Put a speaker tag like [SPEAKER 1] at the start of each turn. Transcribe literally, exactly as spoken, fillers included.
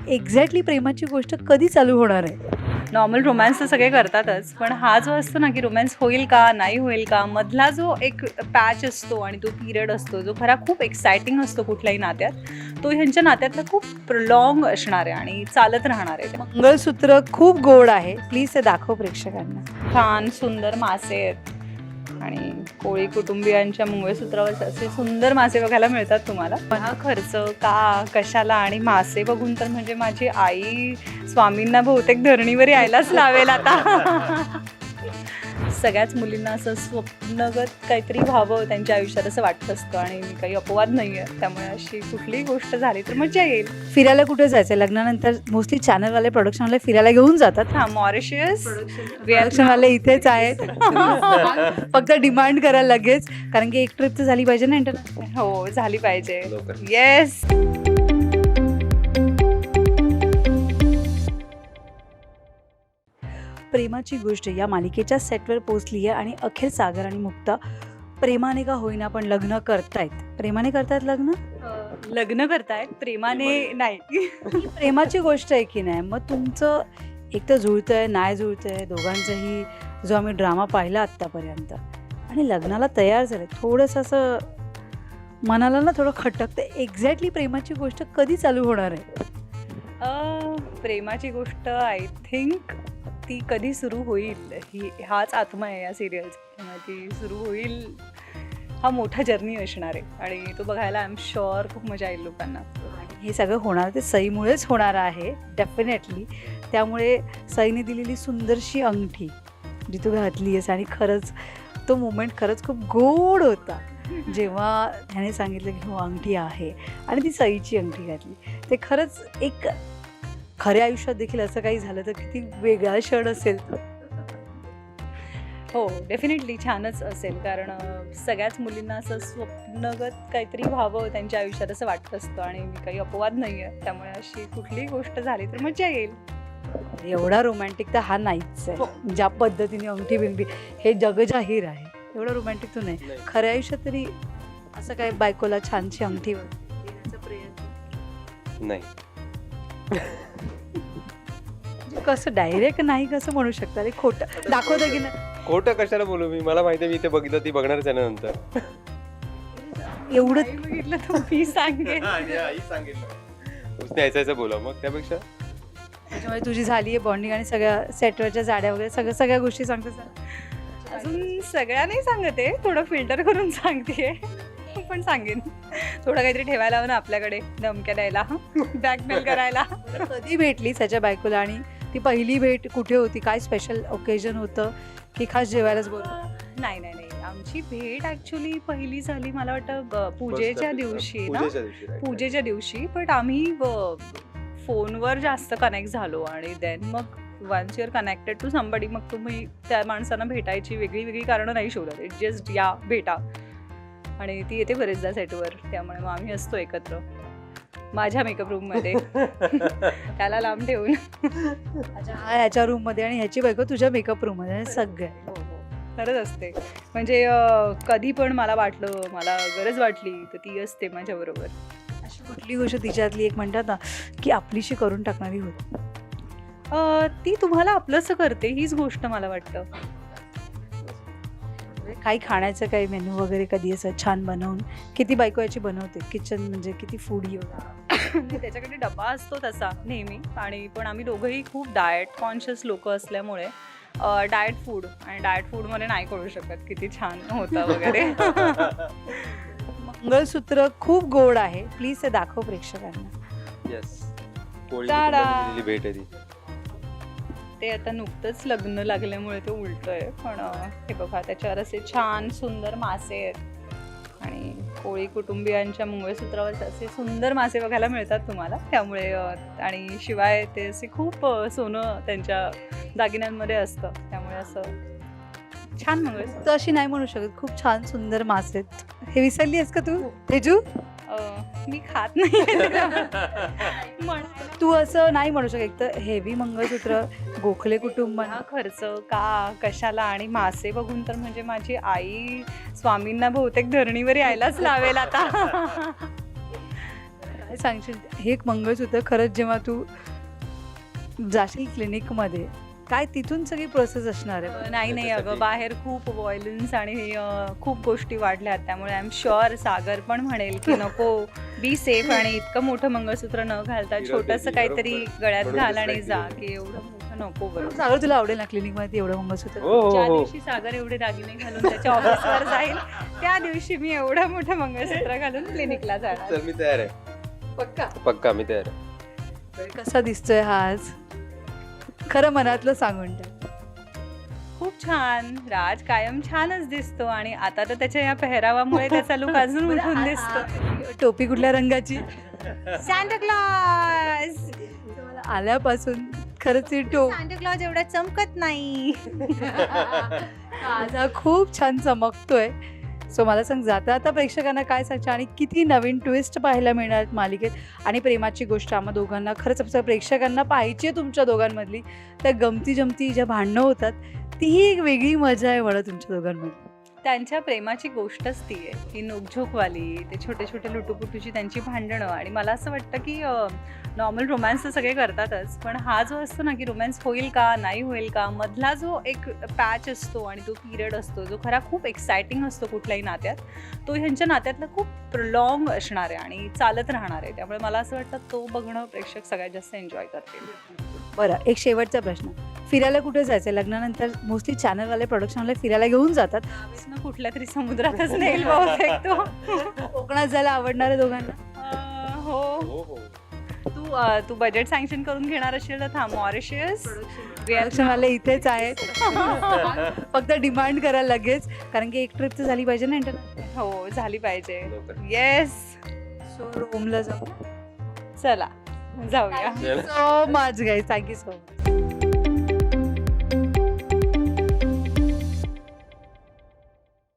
[SPEAKER 1] Exactly प्रेमाची गोष्ट कधी चालू होणार आहे?
[SPEAKER 2] नॉर्मल रोमॅन्स तर सगळे करतातच, पण हा जो असतो ना की रोमॅन्स होईल का नाही होईल का, मधला जो एक पॅच असतो आणि तो पिरियड असतो जो खरा खूप एक्सायटिंग असतो कुठल्याही नात्यात, तो ह्यांच्या नात्यातला खूप प्रॉंग असणार आहे आणि चालत राहणार आहे.
[SPEAKER 1] मंगळसूत्र खूप गोड आहे, प्लीज ते दाखव प्रेक्षकांना.
[SPEAKER 2] छान सुंदर मासे आहेत आणि कोळी कुटुंबियांच्या मंगळसूत्रावर असे सुंदर मासे बघायला मिळतात तुम्हाला. हा खर्च का कशाला, आणि मासे बघून तर म्हणजे माझी आई स्वामींना बहुतेक धरणीवर यायलाच लावेल आता. सगळ्याच मुलींना असं स्वप्नगत काहीतरी व्हावं त्यांच्या आयुष्यात असं वाटत असतं आणि मी काही अपवाद नाही आहे, त्यामुळे अशी कुठलीही गोष्ट झाली तर मजा येईल.
[SPEAKER 1] फिरायला कुठे जायचं? लग्नानंतर मोस्टली चॅनलवाले प्रोडक्शनवाले फिरायला घेऊन जातात.
[SPEAKER 2] हा, मॉरिशियस
[SPEAKER 1] प्रोडक्शनवाले इथेच आहेत. फक्त डिमांड करा लगेच, कारण की एक ट्रिप तर झाली पाहिजे ना इंटरनॅशनल.
[SPEAKER 2] हो, झाली पाहिजे. येस.
[SPEAKER 1] प्रेमाची गोष्ट या मालिकेच्या सेटवर पोहोचली आहे आणि अखेर सागर आणि मुक्ता प्रेमाने का होईना पण लग्न करतायत. प्रेमाने करतायत लग्न?
[SPEAKER 2] लग्न करतायत, प्रेमाने नाही.
[SPEAKER 1] ही प्रेमाची गोष्ट आहे की नाही? मग तुमचं एक तर जुळतंय नाही जुळतंय दोघांचंही, जो आम्ही ड्रामा पाहिला आत्तापर्यंत, आणि लग्नाला तयार झाले, थोडंसं असं मनाला ना थोडं खटकतं. एक्झॅक्टली प्रेमाची गोष्ट कधी चालू होणार आहे?
[SPEAKER 2] अ, प्रेमाची गोष्ट आय थिंक ती कधी सुरू होईल, ही हाच आत्मा आहे या सिरियलचा. ती सुरू होईल, हा मोठा जर्नी असणार आहे आणि तो बघायला आय एम शुअर खूप मजा येईल लोकांना.
[SPEAKER 1] आणि हे सगळं होणार ते सईमुळेच होणार आहे डेफिनेटली. त्यामुळे सईने दिलेली सुंदरशी अंगठी जी तू घातली आहेस, आणि खरंच तो मोमेंट खरंच खूप गोड होता जेव्हा त्याने सांगितलं की हो अंगठी आहे आणि ती सईची अंगठी घातली. ते खरंच एक खऱ्या आयुष्यात देखील असं काही झालं तर किती वेगळा क्षण असेल.
[SPEAKER 2] हो, डेफिनेटली छानच असेल, कारण सगळ्याच मुलींना असं स्वप्नगत काहीतरी व्हावं त्यांच्या आयुष्यात असं वाटत असतं आणि मी काही अपवाद नाही आहे, त्यामुळे अशी कुठलीही गोष्ट झाली तर मजा येईल.
[SPEAKER 1] एवढा रोमॅन्टिक तर हा नाहीच आहे. ज्या पद्धतीने अंगठी बिंगठी हे जगजाहीर आहे, एवढं रोमॅन्टिक तो नाही. खऱ्या आयुष्यात तरी असं काय बायकोला छानशी अंगठी देण्याचा प्रयत्न
[SPEAKER 3] नाही.
[SPEAKER 1] कसं डायरेक्ट नाही कसं म्हणू शकता? अरे खोटं दाखवतं की नाही?
[SPEAKER 3] खोटं कशाला बोलू मी? मला माहिती आहे मी ते बघितलं, ती बघणारच आहे ना नंतर.
[SPEAKER 1] एवढं
[SPEAKER 2] नाही बघितलं तर मी सांगेन.
[SPEAKER 3] आई सांगितलं उसने यायचं यायचं बोला, मग त्यापेक्षा
[SPEAKER 1] त्याच्यामुळे तुझी झाली आहे बॉन्डिंग आणि सगळ्या सेटवरच्या जाड्या वगैरे सगळ्या सगळ्या गोष्टी सांगतात.
[SPEAKER 2] अजून सगळ्या नाही सांगते, थोडं फिल्टर करून सांगते, पण सांगेन. थोडं काहीतरी ठेवायला हवं ना आपल्याकडे, धमक्या द्यायला, बॅकमेल करायला.
[SPEAKER 1] कधी भेटली त्याच्या बायकोला आणि ती पहिली भेट कुठे होती? काय स्पेशल ओकेजन होतं की खास जेवायलाच बोलतो?
[SPEAKER 2] नाही नाही नाही आमची भेट ॲक्च्युली पहिली झाली मला वाटतं ब- पूजेच्या दिवशी ना,
[SPEAKER 3] पूजेच्या दिवशी right.
[SPEAKER 2] पूजेच्या दिवशी. बट आम्ही फोनवर जास्त कनेक्ट झालो आणि देन मग once your connected to somebody, मग तुम्ही त्या माणसांना भेटायची वेगळी वेगळी कारणं नाही शोधत. इट जस्ट या भेटा, आणि ती येते बरेचदा सेटवर, त्यामुळे मग आम्ही असतो एकत्र माझ्या मेकअप रूममध्ये. त्याला लांब ठेवून.
[SPEAKER 1] अच्छा, हा ह्याच्या रूममध्ये आणि ह्याची बायको तुझ्या मेकअप रूममध्ये, सगळं
[SPEAKER 2] हो हो खरंच असते. म्हणजे अं, कधी पण मला वाटलं, मला गरज वाटली तर ती असते माझ्याबरोबर.
[SPEAKER 1] अशी कुठली गोष्ट तिच्यातली एक म्हणतात ना की आपलीशी करून टाकणारी होती?
[SPEAKER 2] अं, ती तुम्हाला आपलंसं करते हीच गोष्ट मला वाटतं.
[SPEAKER 1] काही खाण्याचं काही मेनू वगैरे कधी असं छान बनवून? किती बायको याची बनवते किचन, म्हणजे किती फूडी वगैरे?
[SPEAKER 2] म्हणजे त्याच्याकडे डबा असतो तसा नेहमी, आणि पण आम्ही दोघंही खूप डाएट कॉन्शियस लोक असल्यामुळे डाएट फूड, आणि डाएट फूडमध्ये नाही कळू शकत किती छान होतं वगैरे.
[SPEAKER 1] मंगळसूत्र खूप गोड आहे, प्लीज ते दाखव प्रेक्षकांना.
[SPEAKER 3] येस, कोळी
[SPEAKER 2] टाडा.
[SPEAKER 3] कुटुंबाची दिलेली भेट आहे ती.
[SPEAKER 2] ते आता नुकतंच लग्न लागल्यामुळे ते उलटं आहे, पण अं, हे बघा त्याच्यावर असे छान सुंदर मासे आहेत आणि कोळी कुटुंबियांच्या मंगळसूत्रावर असे सुंदर मासे बघायला मिळतात तुम्हाला, त्यामुळे अं, आणि शिवाय ते असे खूप अं, सोनं त्यांच्या दागिन्यांमध्ये असतं, त्यामुळे असं छान मंगळसूत्र.
[SPEAKER 1] तू अशी नाही म्हणू शकत, खूप छान सुंदर मासे आहेत. हे विसरली आहेस का तू तेजू?
[SPEAKER 2] अं, मी खात नाही म्हणायला.
[SPEAKER 1] तू असं नाही म्हणू शकत. एक तर हेवी मंगळसूत्र, गोखले कुटुंब,
[SPEAKER 2] हा खर्च का कशाला, आणि मासे बघून तर म्हणजे माझी आई स्वामींना बहुतेक धरणीवर यायलाच लावेल आता.
[SPEAKER 1] काय सांगशील हे एक मंगळसूत्र खरंच जेव्हा तू जाशील क्लिनिकमध्ये काय तिथून सगळी प्रोसेस असणार आहे?
[SPEAKER 2] नाही नाही अगं, बाहेर खूप व्हायलन्स आणि अं, खूप गोष्टी वाढल्यात, त्यामुळे आय एम शुअर सागर पण म्हणेल की नको, बी सेफ आणि इतकं मोठं मंगळसूत्र न घालता छोटंसं काहीतरी गळ्यात
[SPEAKER 3] म्हणून
[SPEAKER 2] घाल आणि
[SPEAKER 3] distract
[SPEAKER 2] जा,
[SPEAKER 3] झाली.
[SPEAKER 2] की एवढं मोठं नको बरं.
[SPEAKER 1] सागर तुला आवडेल ना क्लिनिकमध्ये एवढं मंगळसूत्र?
[SPEAKER 3] हो हो
[SPEAKER 2] ज्या
[SPEAKER 3] हो
[SPEAKER 2] दिवशी सागर एवढे दागिने घालून त्याच्या ऑफिसवर जाईल त्या दिवशी मी एवढं मोठं मंगळसूत्र घालून क्लिनिकला जाणार.
[SPEAKER 3] चल मी तयार आहे,
[SPEAKER 1] पक्का.
[SPEAKER 3] पक्का मी तयार आहे.
[SPEAKER 1] कसा दिसतोय हा आज? खरं मनातलं सांगून टाक.
[SPEAKER 2] खूप छान. राज कायम छानच दिसतो आणि आता तर त्याच्या या पेहरावामुळे त्याचा लुक अजून उठून दिसतो.
[SPEAKER 1] टोपी कुठल्या रंगाची?
[SPEAKER 2] Santa Claus.
[SPEAKER 1] मला आल्यापासून खरंच ही टोपी
[SPEAKER 2] सांता क्लॉज एवढा चमकत नाही.
[SPEAKER 1] आज हा खूप छान चमकतोय. सो मला सांग, जाता आता प्रेक्षकांना काय सांगशील आणि किती नवीन ट्विस्ट पाहायला मिळणार आहेत मालिकेत, आणि प्रेमाची गोष्ट आम्हा दोघांना खरंच आपल्या प्रेक्षकांना पाहायची आहे तुमच्या दोघांमधली. त्या गमती जमती ज्या भांडणं होतात तीही एक वेगळी मजा आहे म्हणा तुमच्या दोघांमध्ये.
[SPEAKER 2] त्यांच्या प्रेमाची गोष्टच ती आहे, ती नोकझोकवाली, ते छोटे छोटे लुटूपुटूची त्यांची भांडणं. आणि मला असं वाटतं की नॉर्मल रोमॅन्स तर सगळे करतातच, पण हा जो असतो ना की रोमॅन्स होईल का नाही होईल का, मधला जो एक पॅच असतो आणि तो पिरियड असतो जो खरा खूप एक्सायटिंग असतो कुठल्याही नात्यात, तो ह्यांच्या नात्यातला खूप प्रॉंग असणार आहे आणि चालत राहणार आहे. त्यामुळे मला असं वाटतं तो बघणं प्रेक्षक सगळ्यात जास्त एन्जॉय करतील.
[SPEAKER 1] बरं, एक शेवटचा प्रश्न. फिरायला कुठे जायचं? लग्नानंतर मोस्टली चॅनलवाले प्रोडक्शनवाले फिरायला घेऊन जातात.
[SPEAKER 2] त्यावेळेस कुठल्या तरी समुद्रातच नेईल बहुतेक तो.
[SPEAKER 1] कोकणात जायला आवडणार आहे दोघांना?
[SPEAKER 2] अं, हो.
[SPEAKER 3] हो हो
[SPEAKER 2] तू अं, तू बजेट सँक्शन करून घेणार असेल तर थांब. मॉरिशियस,
[SPEAKER 1] प्रोडक्शनवाले इथेच आहेत. फक्त डिमांड करा लगेच, कारण की एक ट्रिप तर झाली पाहिजे ना इंटरनॅशनल.
[SPEAKER 2] हो झाली पाहिजे.
[SPEAKER 3] लवकर.
[SPEAKER 2] येस,
[SPEAKER 1] सो रोमला जाऊ.
[SPEAKER 2] चला जाऊया.
[SPEAKER 1] So much guys, thank you so much.